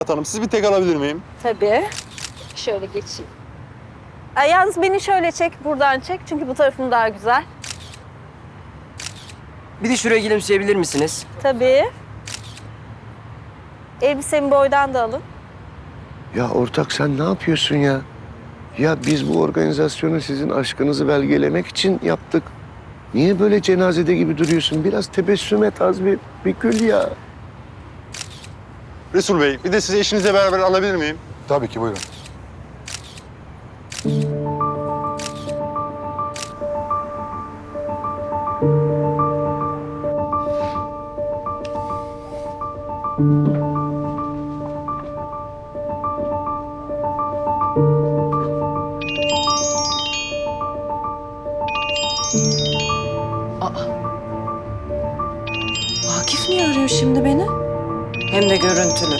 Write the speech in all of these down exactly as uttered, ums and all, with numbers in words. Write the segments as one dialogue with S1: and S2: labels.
S1: Hanım, siz bir tek alabilir miyim?
S2: Tabii. Şöyle geçeyim. Ay, yalnız beni şöyle çek, buradan çek. Çünkü bu tarafım daha güzel.
S3: Bir de şuraya gülümseyebilir misiniz?
S2: Tabii. Elbisemi boydan da alın.
S4: Ya ortak sen ne yapıyorsun ya? Ya biz bu organizasyonu sizin aşkınızı belgelemek için yaptık. Niye böyle cenazede gibi duruyorsun? Biraz tebessüm et az bir, bir gül ya.
S1: Resul Bey, bir de sizi eşinizle beraber alabilir miyim?
S5: Tabii ki, buyurun.
S6: Akif niye arıyor şimdi beni? Hem de görüntülü.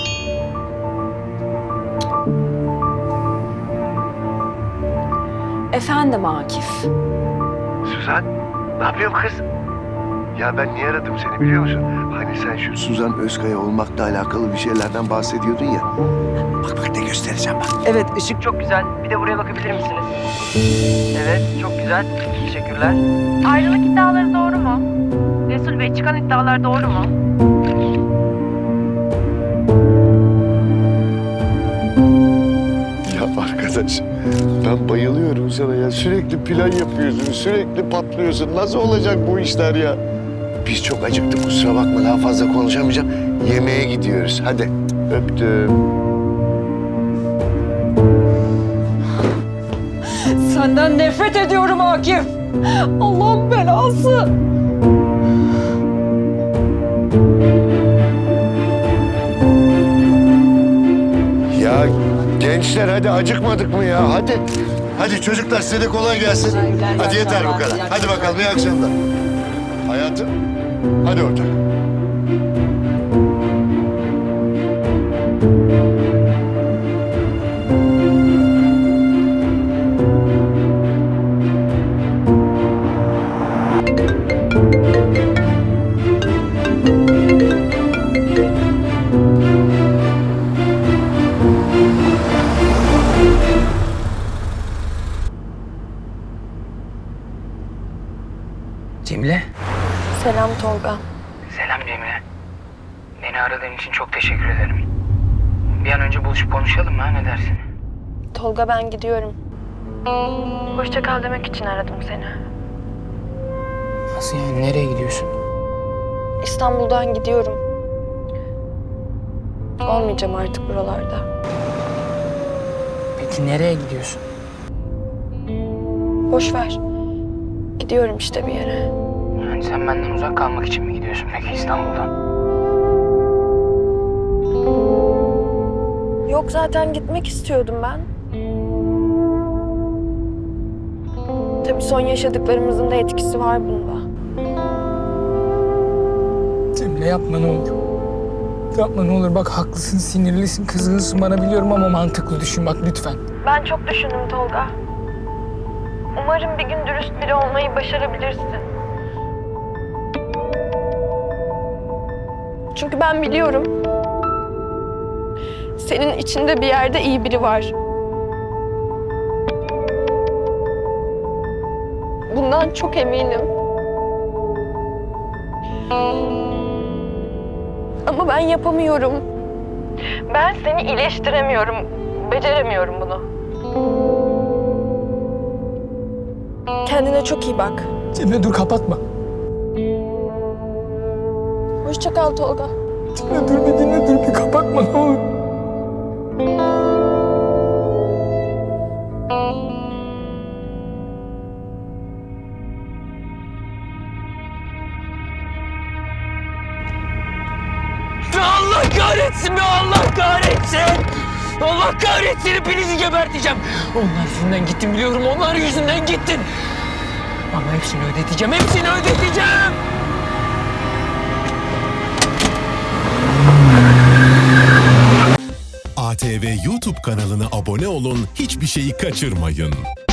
S6: Efendim Akif.
S4: Suzan, ne yapıyorsun kız? Ya ben niye aradım seni biliyor musun? Hani sen şu Suzan Özkaya olmakla alakalı bir şeylerden bahsediyordun ya. Bak bak ne göstereceğim bak.
S3: Evet, ışık çok güzel. Bir de buraya bakabilir misiniz? Evet, çok güzel. Teşekkürler.
S7: Ayrılık iddiaları doğru mu? Resul Bey, çıkan iddialar doğru mu?
S4: Ya arkadaş ben bayılıyorum sana ya. Sürekli plan yapıyorsun, sürekli patlıyorsun. Nasıl olacak bu işler ya? Biz çok acıktık kusura bakma daha fazla konuşamayacağım. Yemeğe gidiyoruz hadi öptüm.
S6: Senden nefret ediyorum Akif. Allah'ın belası.
S4: Ya gençler hadi acıkmadık mı ya hadi. Hadi çocuklar size de kolay gelsin. Hadi yeter bu kadar. Hadi bakalım iyi akşamlar. Hayatım hadi ortak.
S3: Cemile.
S2: Selam Tolga.
S3: Selam Cemile. Beni aradığın için çok teşekkür ederim. Bir an önce buluşup konuşalım mı? Ha? Ne dersin?
S2: Tolga ben gidiyorum.
S7: Hoşça kal demek için aradım seni.
S3: Nasıl yani? Nereye gidiyorsun?
S2: İstanbul'dan gidiyorum. Olmayacağım artık buralarda.
S3: Peki nereye gidiyorsun?
S2: Boş ver. Gidiyorum işte bir yere.
S3: Yani sen benden uzak kalmak için mi gidiyorsun peki İstanbul'dan?
S2: Yok zaten gitmek istiyordum ben. Tabii son yaşadıklarımızın da etkisi var bunda.
S8: Cemile yapma ne olur. Yapma ne olur. Bak haklısın, sinirlisin, kızgınsın bana biliyorum ama mantıklı düşün bak lütfen.
S7: Ben çok düşündüm Tolga. Umarım bir gün dürüst biri olmayı başarabilirsin.
S2: Çünkü ben biliyorum. Senin içinde bir yerde iyi biri var. Bundan çok eminim. Ama ben yapamıyorum.
S7: Ben seni iyileştiremiyorum. Beceremiyorum bunu.
S2: Kendine çok iyi bak.
S8: Cemile dur kapatma.
S2: Hoşça kal Tolga.
S8: Cemile dur bir dinle dur bir kapatma ne olur.
S3: Allah kahretsin be! Allah kahretsin! Allah kahretsin! Hepinizi geberteceğim. Onlar yüzünden gittin biliyorum. Onlar yüzünden gittin. Ama hepsini ödeteceğim. Hepsini ödeteceğim.
S9: A T V YouTube kanalına abone olun, hiçbir şeyi kaçırmayın.